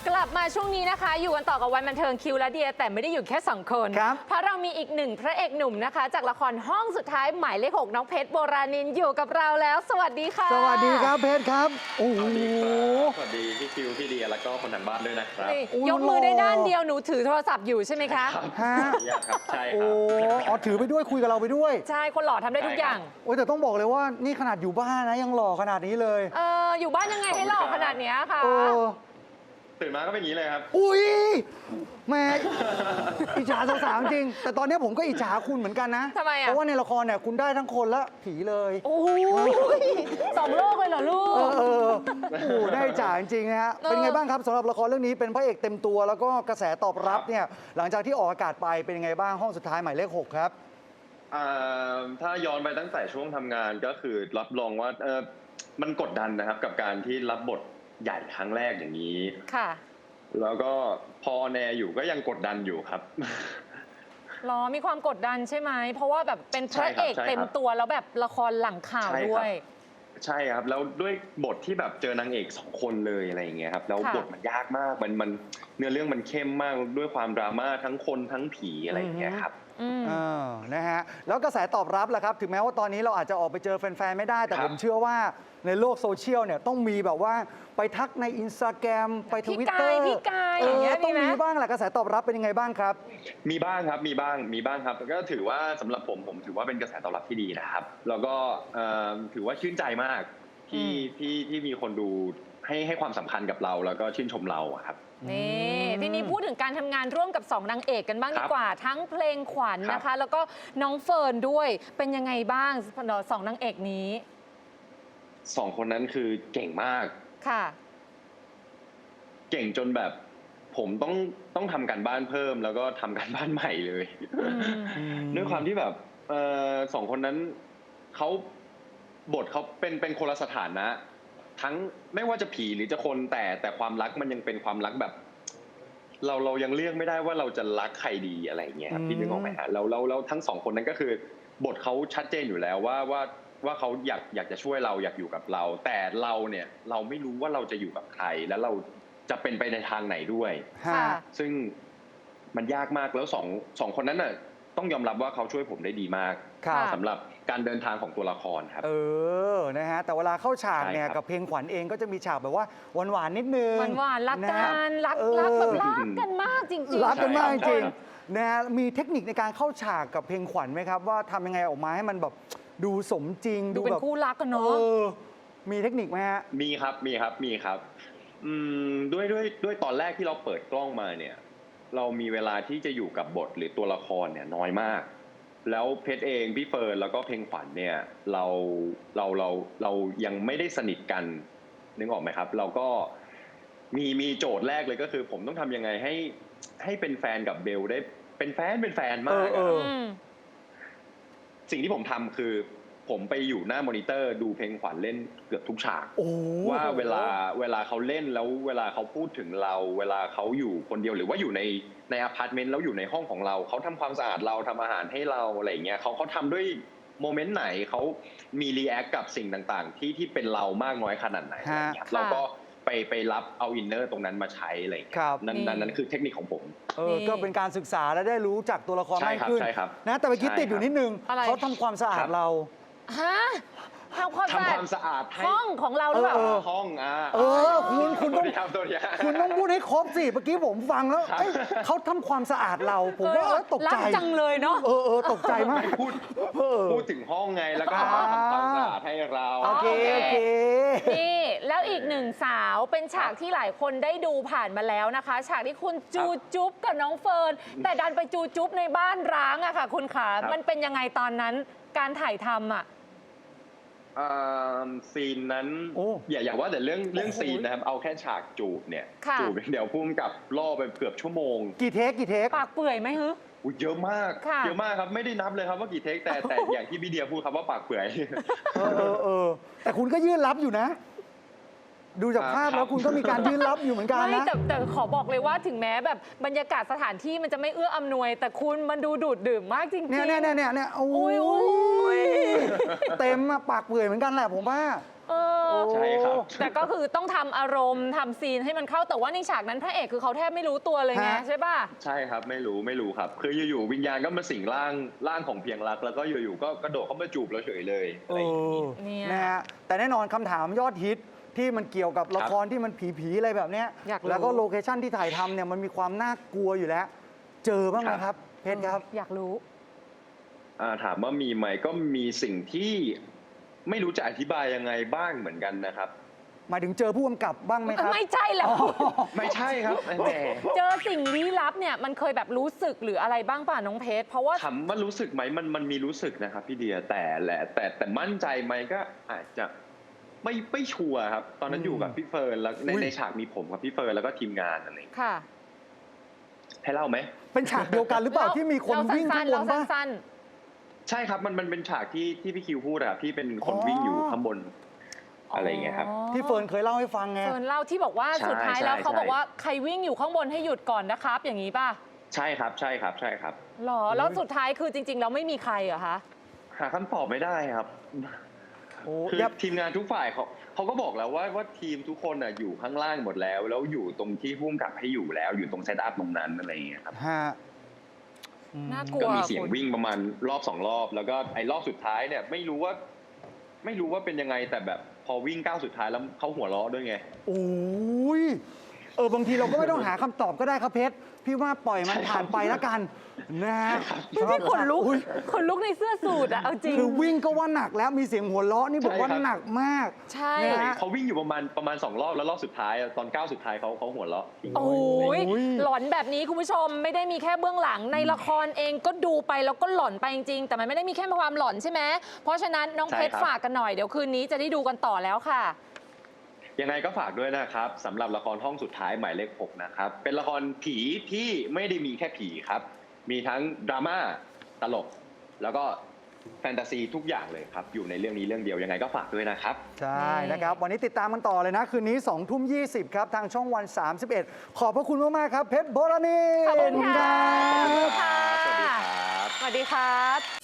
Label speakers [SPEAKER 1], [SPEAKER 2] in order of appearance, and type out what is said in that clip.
[SPEAKER 1] กลับมาช่วงนี้นะคะอยู่กันต่อกับวันบันเทิงคิวและเดียแต่ไม่ได้อยู่แค่2คนเพราะเรามีอีกหนึ่งพระเอกหนุ่มนะคะจากละครห้องสุดท้ายหมายเลข 6น้องเพชรโบราณินอยู่กับเราแล้วสวัสดีค่ะ
[SPEAKER 2] สวัสดีครับเพชรครับโอ้โห
[SPEAKER 3] สวัสดีพี่คิวพี่เดียแล้วก็คนทางบ้านด้วยนะครับ
[SPEAKER 1] ยกมือได้ด้านเดียวหนูถือโทรศัพท์อยู่ใช่ไหมคะ
[SPEAKER 2] ฮะ
[SPEAKER 3] ครับใช่ค
[SPEAKER 2] โอ้
[SPEAKER 3] รับ
[SPEAKER 2] ถือไปด้วยคุยกับเราไปด้วย
[SPEAKER 1] ใช่คนหล่อทำได้ทุกอย่าง
[SPEAKER 2] โอ้แต่ต้องบอกเลยว่านี่ขนาดอยู่บ้านนะยังหล่อขนาดนี้เลย
[SPEAKER 1] อยู่บ้านยังไงให้หล่อขนาดนี้คะ
[SPEAKER 3] ตื่นมาก็เป็นอย่างนี้เลยครับ
[SPEAKER 2] อุ้ยแม่อิจฉาสาวๆจริงแต่ตอนนี้ผมก็อิจฉาคุณเหมือนกันนะ
[SPEAKER 1] ทำไมอ่ะ
[SPEAKER 2] เพราะว่าในละครเนี่ยคุณได้ทั้งคนและผีเลย
[SPEAKER 1] โอ้ย2 โลกเลยเหรอลูก
[SPEAKER 2] โอ้ได้อิจฉาจริงๆนะฮะเป็นไงบ้างครับสำหรับละครเรื่องนี้เป็นพระเอกเต็มตัวแล้วก็กระแสตอบรับเนี่ยหลังจากที่ออกอากาศไปเป็นยังไงบ้างห้องสุดท้ายหมายเลข 6ครับ
[SPEAKER 3] ถ้าย้อนไปตั้งแต่ช่วงทำงานก็คือรับรองว่ามันกดดันนะครับกับการที่รับบทใหญ่ครั้งแรกอย่างนี้
[SPEAKER 1] ค่ะ
[SPEAKER 3] แล้วก็พอแนอยู่ก็ยังกดดันอยู่ครับ
[SPEAKER 1] มีความกดดันใช่ไหมเพราะว่าแบบเป็นพระเอกเต็มตัวแล้วแบบละครหลังข่าวด้วย
[SPEAKER 3] ใช่ครับแล้วด้วยบทที่แบบเจอนางเอก2 คนเลยอะไรอย่างเงี้ยครับแล้วบทมันยากมากมันเนื้อเรื่องมันเข้มมากด้วยความดราม่าทั้งคนทั้งผีอะไรอย่างเงี้ยครับ
[SPEAKER 2] นะฮะแล้วกระแสตอบรับล่ะครับถึงแม้ว่าตอนนี้เราอาจจะออกไปเจอแฟนๆไม่ได้แต่ผมเชื่อว่าในโลกโซเชียลเนี่ยต้องมีแบบว่าไปทักใน Instagram ไป Twitter
[SPEAKER 1] พี่กายอย่างเงี้ย
[SPEAKER 2] ต้องมีบ้างแหละกระแสตอบรับเป็นยังไงบ้างครับ
[SPEAKER 3] มีบ้างครับมีบ้างครับก็ถือว่าสำหรับผมถือว่าเป็นกระแสตอบรับที่ดีนะครับแล้วก็ถือว่าชื่นใจมากที่มีคนดูให้ความสำคัญกับเราแล้วก็ชื่นชมเราครับ
[SPEAKER 1] นี่ทีนี้พูดถึงการทำงานร่วมกับ2นางเอกกันบ้างดีกว่าทั้งเพลงขวัญนะคะแล้วก็น้องเฟิร์นด้วยเป็นยังไงบ้าง2นางเอกนี้
[SPEAKER 3] 2 คนนั้นคือเก่งมาก
[SPEAKER 1] ค่ะ
[SPEAKER 3] เก่งจนแบบผมต้องทำการบ้านเพิ่มแล้วก็ทำการบ้านใหม่เลยด้วยความที่แบบ2 คนนั้นบทเขาเป็นคนละสถานะทั้งไม่ว่าจะผีหรือจะคนแต่ความรักมันยังเป็นความรักแบบเรายังเลือกไม่ได้ว่าเราจะรักใครดีอะไรอย่างเงี้ยครับพี่นึกออกไหมฮะเราทั้ง2 คนนั้นก็คือบทเขาชัดเจนอยู่แล้วว่าเขาอยากจะช่วยเราอยากอยู่กับเราแต่เราเนี่ยเราไม่รู้ว่าเราจะอยู่กับใครแล้วเราจะเป็นไปในทางไหนด้วยซึ่งมันยากมากแล้วสองคนนั้นน่ะต้องยอมรับว่าเขาช่วยผมได้ดีมากสำหรับการเดินทางของตัวละครครับ
[SPEAKER 2] นะฮะแต่เวลาเข้าฉากเนี่ยกับเพลงขวัญเองก็จะมีฉากแบบว่าหวานๆนิดนึง
[SPEAKER 1] หวานรักกันรักแบบรักกันมากจริงๆ
[SPEAKER 2] รักกันมากจริงนะฮะมีเทคนิคในการเข้าฉากกับเพลงขวัญไหมครับว่าทำยังไงออกมาให้มันแบบดูสมจริง
[SPEAKER 1] ดูเป็นคู่รักกันเนาะ
[SPEAKER 2] มีเทคนิคไหมฮะ
[SPEAKER 3] มีครับด้วยตอนแรกที่เราเปิดกล้องมาเนี่ยเรามีเวลาที่จะอยู่กับบทหรือตัวละครเนี่ยน้อยมากแล้วเพชรเองพี่เฟิร์นแล้วก็เพลงขวัญเนี่ยเรายังไม่ได้สนิทกันนึกออกไหมครับเราก็มีโจทย์แรกเลยก็คือผมต้องทำยังไงให้เป็นแฟนกับเบลได้เป็นแฟนมากสิ่งที่ผมทำคือผมไปอยู่หน้ามอนิเตอร์ดูเพลงขวัญเล่นเกือบทุกฉากว่าเวลาเขาเล่นแล้วเวลาเขาพูดถึงเราเวลาเขาอยู่คนเดียวหรือว่าอยู่ในอพาร์ตเมนต์แล้วอยู่ในห้องของเราเขาทำความสะอาดเราทำอาหารให้เราอะไรอย่างเงี้ยเขาทำด้วยโมเมนต์ไหนเขามีรีแอคกับสิ่งต่างๆที่เป็นเรามากน้อยขนาดไหนอะไรอย่างเงี้ยเราก็ไปรับเอาอินเนอร์ตรงนั้นมาใช้อะไรอย่างเงี้ยนั่นคือเทคนิคของผม
[SPEAKER 2] ก็เป็นการศึกษาและได้รู้จักตัวละครมากขึ้นนะแต่เมื่อกี้ติดอยู่นิดนึงเขาทำความสะอาดเรา
[SPEAKER 1] ทำความสะอาดห้องของเราหรือเปล่า
[SPEAKER 3] ห้อง
[SPEAKER 2] คุณต้องพูดให้ครบสิเมื่อกี้ผมฟังแล้วเขาทำความสะอาดเราผมว่าตกใจ
[SPEAKER 1] จังเลยเนาะ
[SPEAKER 2] ตกใจมาก
[SPEAKER 3] พูดถึงห้องไงแล้วก็ทำความสะอาดให้เรา
[SPEAKER 2] โอเค
[SPEAKER 1] นี่แล้วอีกหนึ่งสาวเป็นฉากที่หลายคนได้ดูผ่านมาแล้วนะคะฉากที่คุณจูจุ๊บกับน้องเฟิร์นแต่ดันไปจูจุ๊บในบ้านร้างอะค่ะคุณขามันเป็นยังไงตอนนั้นการถ่ายทำอะ
[SPEAKER 3] ซีนนั้นอย่าว่าแต่เรื่องซีนนะครับเอาแค่ฉากจูบเนี่ยจูบเดี๋ยวพุ่งกับล่อไปเกือบชั่วโมง
[SPEAKER 2] กี่เทค
[SPEAKER 1] ปากเปื่อยไหมฮึ
[SPEAKER 3] เยอะมากครับไม่ได้นับเลยครับว่ากี่เทคแต่อย่างที่พี่เดียพูดครับว่าปากเปื่อย
[SPEAKER 2] แต่คุณก็ยื่นรับอยู่นะดูจากภาพแล้วคุณก็มีการยื่นรับอยู่เหมือนกันนะ
[SPEAKER 1] แต่ขอบอกเลยว่าถึงแม้แบบบรรยากาศสถานที่มันจะไม่เอื้ออำนวยแต่คุณมันดูดูดดื่มมากจริงๆ
[SPEAKER 2] เนี่ยโอ้ยเต็มปากเปื่อยเหมือนกันแหละผมว่า
[SPEAKER 3] ใช่ครับ
[SPEAKER 1] แต่ก็คือต้องทำอารมณ์ทำซีนให้มันเข้าแต่ว่าในฉากนั้นพระเอกคือเขาแทบไม่รู้ตัวเลยไง
[SPEAKER 2] ฮะ
[SPEAKER 1] ใช่ป่ะ
[SPEAKER 3] ใช่ครับไม่รู้ครับ คืออยู่ๆวิญญาณก็มาสิงร่างของเพียงรัก แล้วก็อยู่ๆก็กระโดดเข้ามาจูบเราเฉยเลยอะไรอย่างนี้
[SPEAKER 1] เนี่ย
[SPEAKER 2] นะฮะแต่แน่นอนคำถามยอดฮิตที่มันเกี่ยวกับละครที่มันผีๆอะไรแบบเนี้ย
[SPEAKER 1] อยากรู้
[SPEAKER 2] แล้วก็โลเคชั่นที่ถ่ายทำเนี่ยมันมีความน่ากลัวอยู่แล้ว เจอบ้างไหมครับเพชรครับ
[SPEAKER 1] อยากรู้
[SPEAKER 3] ถามว่ามีไหมก็มีสิ่งที่ไม่รู้จะอธิบายยังไงบ้างเหมือนกันนะครับ
[SPEAKER 2] หมายถึงเจอผู้กำกับบ้างไหมครับ
[SPEAKER 1] ไม่ใช่แล้ว
[SPEAKER 3] ไม่ใช่ครับแหม
[SPEAKER 1] เจอสิ่งลี้ลับเนี่ยมันเคยแบบรู้สึกหรืออะไรบ้างป่ะน้องเพชรเพราะว่า
[SPEAKER 3] ถามว่ารู้สึกไหมมันมีรู้สึกนะครับพี่เดียแต่มั่นใจไหมก็อาจจะไม่ชัวร์ครับ ตอนนั้นอยู่กับพี่เฟิร์นแล้วในฉากมีผมกับพี่เฟิร์นแล้วก็ทีมงานอะไรอย่างเงี้ย
[SPEAKER 1] ค่ะ
[SPEAKER 3] ให้เล่าไหม
[SPEAKER 2] เป็นฉากเดียวกันหรือเปล่าที่มีคนวิ่งข้างบน
[SPEAKER 1] เรา
[SPEAKER 2] บ้าง
[SPEAKER 1] สั้น
[SPEAKER 3] ใช่ครับมันเป็นฉากที่พี่คิวพูดอะที่เป็นคน
[SPEAKER 2] อ๋อ
[SPEAKER 3] วิ่งอยู่ข้างบน
[SPEAKER 1] ๆ
[SPEAKER 3] อะไรอย่างเงี้ยครับ
[SPEAKER 2] ที่เฟิร์นเคยเล่าให้ฟังไง
[SPEAKER 1] เฟิร์นเล่าที่บอกว่า
[SPEAKER 3] ใช่
[SPEAKER 1] สุดท้ายแล้ว
[SPEAKER 3] ใช่
[SPEAKER 1] เขาบอก
[SPEAKER 3] ใช่
[SPEAKER 1] ว่าใครวิ่งอยู่ข้างบนให้หยุดก่อนนะครับ อย่างนี้ป่ะ
[SPEAKER 3] ใช่ครับใช่ครับใช่ครับ
[SPEAKER 1] หรอแล้วสุดท้ายคือจริงๆแล้วไม่มีใครเหรอคะ
[SPEAKER 3] หาคำตอบไม่ได้ครับ
[SPEAKER 2] โอ้
[SPEAKER 3] คือ
[SPEAKER 2] ยับ
[SPEAKER 3] ทีมงานทุกฝ่ายเขาก็บอกแล้วว่าทีมทุกคนอยู่ข้างล่างหมดแล้วอยู่ตรงที่พุ่มกับให้อยู่แล้วอยู่ตรงเซตอัพตรงนั้นอะไรอย่างเงี้ยครับ
[SPEAKER 2] ฮะ
[SPEAKER 1] น่ากลัว
[SPEAKER 3] ก็มีเสียง
[SPEAKER 1] คุณ
[SPEAKER 3] วิ่งประมาณรอบ2 รอบ แล้วก็ไอ้รอบสุดท้ายเนี่ยไม่รู้ว่าเป็นยังไงแต่แบบพอวิ่งก้าวสุดท้ายแล้วเขาหัวเราะด้วยไง
[SPEAKER 2] โอ้ยบางทีเราก็ไม่ต้องหาคำตอบก็ได้ครับเพชรพี่ว่าปล่อยมันผ่านไปแล้วกันนะฮะ
[SPEAKER 1] พี่ขนลุก
[SPEAKER 2] อุ๊ย
[SPEAKER 1] ขนลุกในเสื้อสูทอะเอาจริง
[SPEAKER 2] คือวิ่งก็ว่าหนักแล้วมีเสียงหัวเราะนี่บอกว่า
[SPEAKER 3] ใช่ครับ
[SPEAKER 2] หนักมาก
[SPEAKER 1] ใช่
[SPEAKER 2] นะฮะ
[SPEAKER 3] เขาวิ่งอยู่ประมาณ2 รอบแล้วรอบสุดท้ายตอนก้าวสุดท้ายเขาหัวเราะ
[SPEAKER 1] โอ้ย
[SPEAKER 2] โอ้ย
[SPEAKER 1] หลอนแบบนี้คุณผู้ชมไม่ได้มีแค่เบื้องหลังในละครเองก็ดูไปแล้วก็หลอนไปจริงๆแต่มันไม่ได้มีแค่ความหลอนใช่ไหมเพราะฉะนั้นน้องเพชรฝากกันหน่อยเดี๋ยวคืนนี้จะได้ดูกันต่อแล้วค่ะ
[SPEAKER 3] ยังไงก็ฝากด้วยนะครับสำหรับละครห้องสุดท้ายหมายเลข 6นะครับเป็นละครผีที่ไม่ได้มีแค่ผีครับมีทั้งดราม่าตลกแล้วก็แฟนตาซีทุกอย่างเลยครับอยู่ในเรื่องนี้เรื่องเดียวยังไงก็ฝากด้วยนะครับ
[SPEAKER 2] ใช่นะครับ วันนี้ติดตามกันต่อเลยนะ คืนนี้20:20 ครับ ทางช่องวัน 31 ขอบพระคุณมาก ๆ ครับ เพชรโบราณี
[SPEAKER 1] ขอบคุณค่ะ
[SPEAKER 2] รับ
[SPEAKER 3] ขอบคุณครับสวัสดีครับ
[SPEAKER 1] สวัสดีครับ